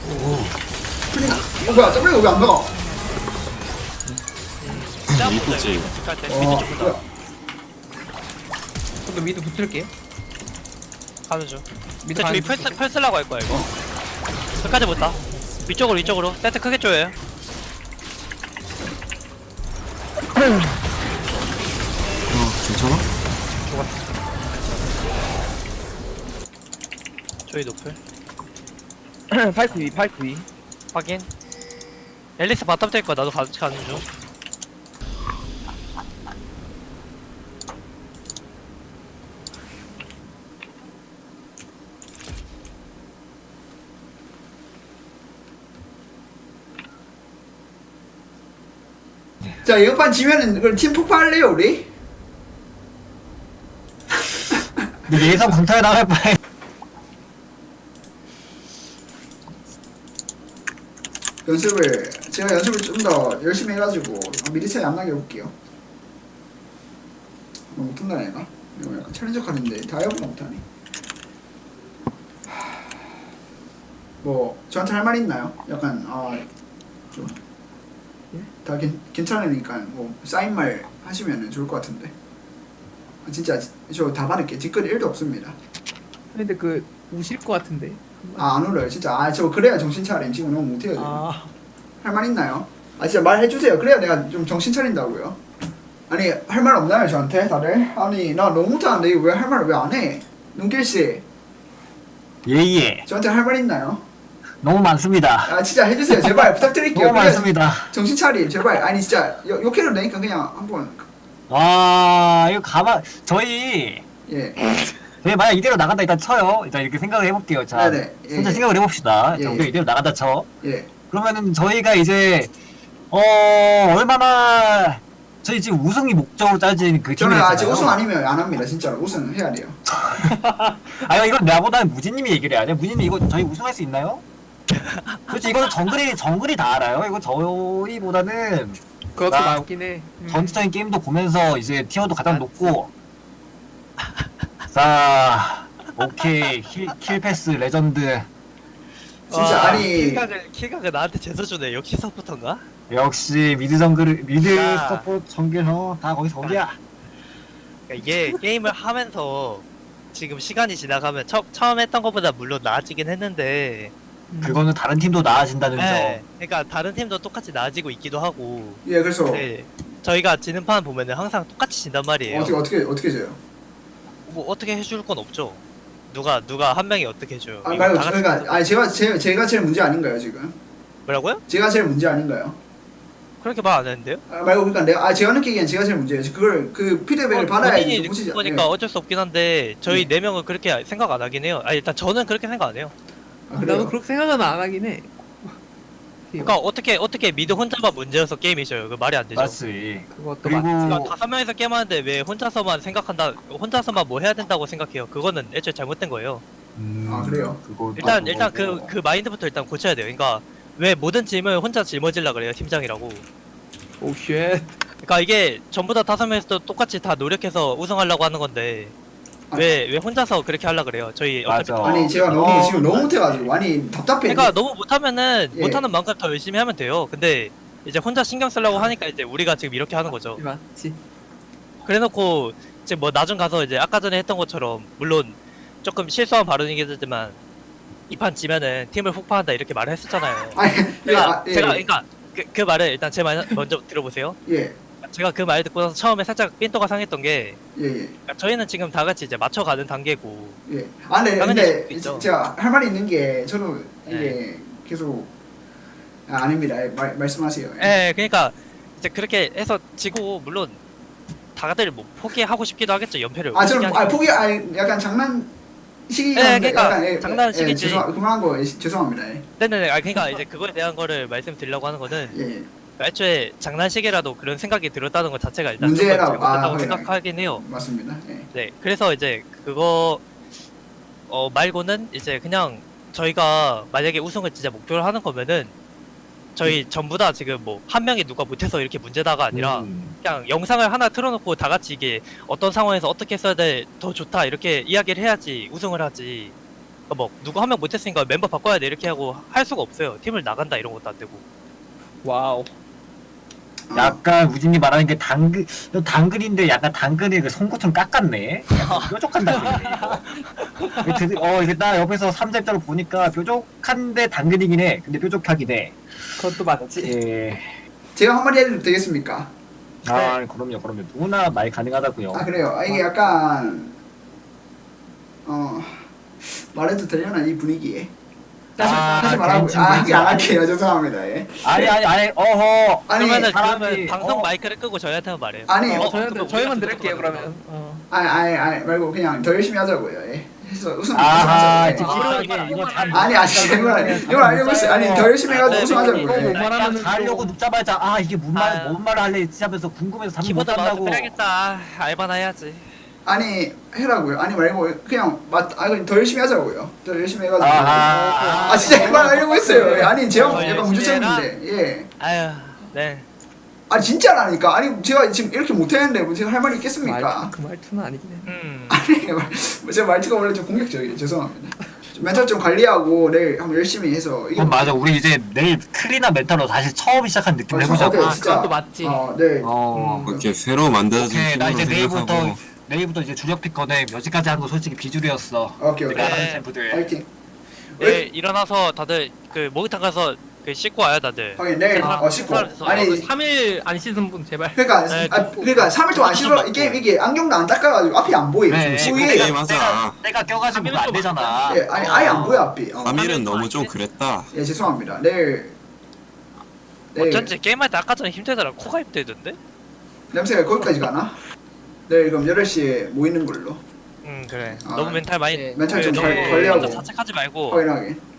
큰일 나. 뭐야, W 왜안 나가? 이쁘지. 갈때 어, 미드 좀 뭐야. 다 좀 미드 붙을게. 가는 중. 미드 밑에 저기 펄슬라고 할 거야 이거. 끝까지 못다. 위쪽으로 세트 크게 쪼여요. 괜찮아? 저희 노플. 파이크 위, 파이크 위. 확인. 앨리스 바텀 될 거야. 나도 같이 가는 중. 자, 이번 판 지면은 그럼 팀 폭파할래요, 우리? 근데 예상 강타에 나갈 바에 제가 연습을 좀 더 열심히 해가지고 미리 차이 안 나게 해볼게요. 너무 못한다 얘가. 이거 약간 챌린저 카드인데 다이어보다 못하네. 뭐 저한테 할 말 있나요? 약간 좀 다 괜찮으니까 뭐 사인 말 하시면은 좋을 것 같은데. 진짜 저 다 받을게. 뒷글이 1도 없습니다. 근데 그 우실 것 같은데. 안 울어요 진짜. 저 그래야 정신 차림. 지금 너무 못해요 지금. 할 말 있나요? 진짜 말해주세요. 그래야 내가 좀 정신 차린다고요. 아니 할 말 없나요 저한테 다들? 아니 나 너무 못하는데 왜 할 말을 왜 안 해? 눈길씨 예예 저한테 할 말 있나요? 너무 많습니다. 진짜 해주세요 제발 부탁드릴게요. 너무 그래야 많습니다. 정신 차림 제발. 아니 진짜 욕해도 되니까 그냥 한번. 와 이거 저희 예. 만약 이대로 나간다 일단 쳐요. 일단 이렇게 생각을 해볼게요. 자 네네. 예, 혼자 예. 생각을 해봅시다. 예, 자, 우리가 예. 이대로 나간다 쳐. 예. 그러면은 저희가 이제 얼마나 저희 지금 우승이 목적으로 짜진 그 저는 팀이잖아요. 아직 우승 아니면 안 합니다 진짜로. 우승 해야 돼요. 아니 이건 나보다는 무진님이 얘기를 해야 돼. 무진님 이거 저희 우승할 수 있나요? 그렇지 이거는 정글이 다 알아요. 이거 저희보다는 그것도 나- 맞긴 해. 전투적인 게임도 보면서 이제 티어도 가장 높고. 자 오케이 킬 패스 레전드. 진짜 아니 킬각을 나한테 재서주네. 역시 서포터인가? 역시 미드 야. 서포트 전개서 다 거기서 거기야. 그러니까 이게 게임을 하면서 지금 시간이 지나가면 처음 했던 것보다 물론 나아지긴 했는데 그거는 다른 팀도 나아진다는 네, 점. 그러니까 다른 팀도 똑같이 나아지고 있기도 하고 예 그래서 네, 저희가 지는 판 보면은 항상 똑같이 진단 말이에요. 어떻게 져요? 뭐 어떻게 해줄 건 없죠. 누가 한 명이 어떻게 해줘요. 이거 말고 다 같이 그러니까 아니 제가 제일 문제 아닌가요 지금? 뭐라고요? 제가 제일 문제 아닌가요? 그렇게 말 안 했는데요? 말고 그러니까 제가 느끼기엔 제가 제일 문제예요. 그걸 그 피드백을 받아야지 본인이 좀 느끼는 고치지. 거니까 어쩔 수 없긴 한데 저희 네 명은 그렇게 생각 안 하긴 해요. 일단 저는 그렇게 생각 안 해요. 그래요? 나도 그렇게 생각은 안 하긴 해. 그러니까 어떻게 미드 혼자만 문제여서 게임이 져요. 그 말이 안 되죠. 맞지. 그것도 그리고 그러니까 5명이서 게임하는데 왜 혼자서만 뭐 해야 된다고 생각해요. 그거는 애초에 잘못된 거예요. 그래요? 그거 일단 맞고. 그 마인드부터 일단 고쳐야 돼요. 그러니까 왜 모든 짐을 혼자 짊어지려 그래요, 팀장이라고. 오 쉣. 그러니까 이게 전부 다 5명에서 똑같이 다 노력해서 우승하려고 하는 건데 왜 혼자서 그렇게 하려 그래요? 저희 어차피 맞아. 아니 제가 너무 지금 너무 못해가지고 아니 답답해. 그러니까 너무 못하면은 예. 못하는 만큼 더 열심히 하면 돼요. 근데 이제 혼자 신경 쓰려고 하니까 이제 우리가 지금 이렇게 하는 거죠. 맞지. 그래놓고 이제 뭐 나중 가서 이제 아까 전에 했던 것처럼 물론 조금 실수한 발언이긴 하지만 이 판 지면은 팀을 폭파한다 이렇게 말을 했었잖아요. 아니 제가 예. 그러니까 그 말을 일단 제 말 먼저 들어보세요. 예. 제가 그 말 듣고 나서 처음에 살짝 삔또가 상했던 게 예, 예, 그러니까 저희는 지금 다 같이 이제 맞춰가는 단계고 예. 근데 당연히 수도 있죠. 제가 할 말이 있는 게 저도 이게 네. 계속 아닙니다. 말씀하세요. 예, 그러니까 이제 그렇게 해서 지고 물론 다들 뭐 포기하고 싶기도 하겠죠. 연패를 저는 포기 약간 장난식이었는데 그러니까 약간 장난식이지. 그만한 거 죄송합니다. 예. 네네네. 그러니까 이제 그거에 대한 거를 말씀드리려고 하는 거는 예. 애초에 장난식이라도 그런 생각이 들었다는 것 자체가 일단 문제라고. 조금 잘못됐다고 그래요. 생각하긴 해요. 맞습니다. 예. 네, 그래서 이제 그거 말고는 이제 그냥 저희가 만약에 우승을 진짜 목표로 하는 거면은 저희 전부 다 지금 뭐 한 명이 누가 못해서 이렇게 문제다가 아니라 그냥 영상을 하나 틀어놓고 다 같이 이게 어떤 상황에서 어떻게 써야 돼 더 좋다 이렇게 이야기를 해야지 우승을 하지. 뭐 누구 한 명 못했으니까 멤버 바꿔야 돼 이렇게 하고 할 수가 없어요. 팀을 나간다 이런 것도 안 되고. 와우. 약간 우진이 말하는 게 당근인데 약간 당근이 그 송곳 좀 깎았네. 약간 뾰족한 당근이네. 이게 나 옆에서 3렙자로 보니까 뾰족한데 당근이긴 해. 근데 뾰족하긴 해. 그것도 맞지. 예. 제가 한마디 해도 되겠습니까? 아 그럼요. 누구나 말 가능하다고요. 아 그래요. 아, 이게 약간 말해도 되려나 이 분위기에. 하지 말라고. 이게 안 할게요. 죄송합니다. 예. 아니 어허. 아니 그러면은 사람이- 그러면 방송 어. 마이크를 끄고 저희한테만 말해요. 아니 저희만 들을게요 그러면. 아니 말고 그냥 더 열심히 하자고요. 예. 해서 아하 우승하자고요. 찝찝하게 이거 다 이걸 알고 있어요. 아니 더 열심히 해가지고 우승하자고요. 이거 못 예. 말하면은 가려고 눕자마자 이게 뭔 아유. 말을 할래 하면서 궁금해서 잠을 못 키보드 마우스 잔다고. 빼야겠다. 알바나 해야지. 아니 해라고요. 아니 말고 그냥 그냥 더 열심히 하자고요. 더 열심히 해가지고. 아하. 진짜 이말 하려고 했어요. 예. 아니 제가 더 약간 열심히 문제점인데. 예. 아유, 네. 아니 진짜라니까. 아니 제가 지금 이렇게 못했는데 뭐 제가 할 말이 있겠습니까? 그 말투는 아니긴 해. 아니 제 말투가 원래 좀 공격적이에요. 죄송합니다. 좀 멘탈 좀 관리하고 내일 한번 열심히 해서 이거. 맞아. 우리 이제 내일 클린한 멘탈로 다시 처음 시작한 느낌 해보자. 오케이, 진짜. 그것도 맞지. 네. 이렇게 새로 만들어진 오케이 나 팀으로 이제 생각하고 내일부터 이제 주력 픽 꺼내. 여지까지 한 거 솔직히 비주류였어. 오케이. 내가 하는 네. 챔프들. 파이팅. 네, 일어나서 다들 그 목욕탕 가서 그 씻고 와요 다들. 확인 내일 씻고. 아니 3일 안 씻은 분 제발. 그러니까 네, 그러니까 3일 동안 안 씻어 이게 안경도 안 닦아가지고 앞이 안 보여. 네, 지금 네, 위에 게임 하자. 때가 껴가지고 안 되잖아. 예, 아니 아예 안 보여 앞이. 3일은 너무 좀 그랬다. 예 죄송합니다. 내일 어쩐지 게임할 때 아까 전에 힘들더라. 코가 힘들던데? 냄새가 거기까지 가나? 내일 그럼 8시에 모이는 걸로. 그래. 아, 너무 멘탈 많이 네. 멘탈 좀 너무 관리하고. 혼자 자책하지 말고 확인하게.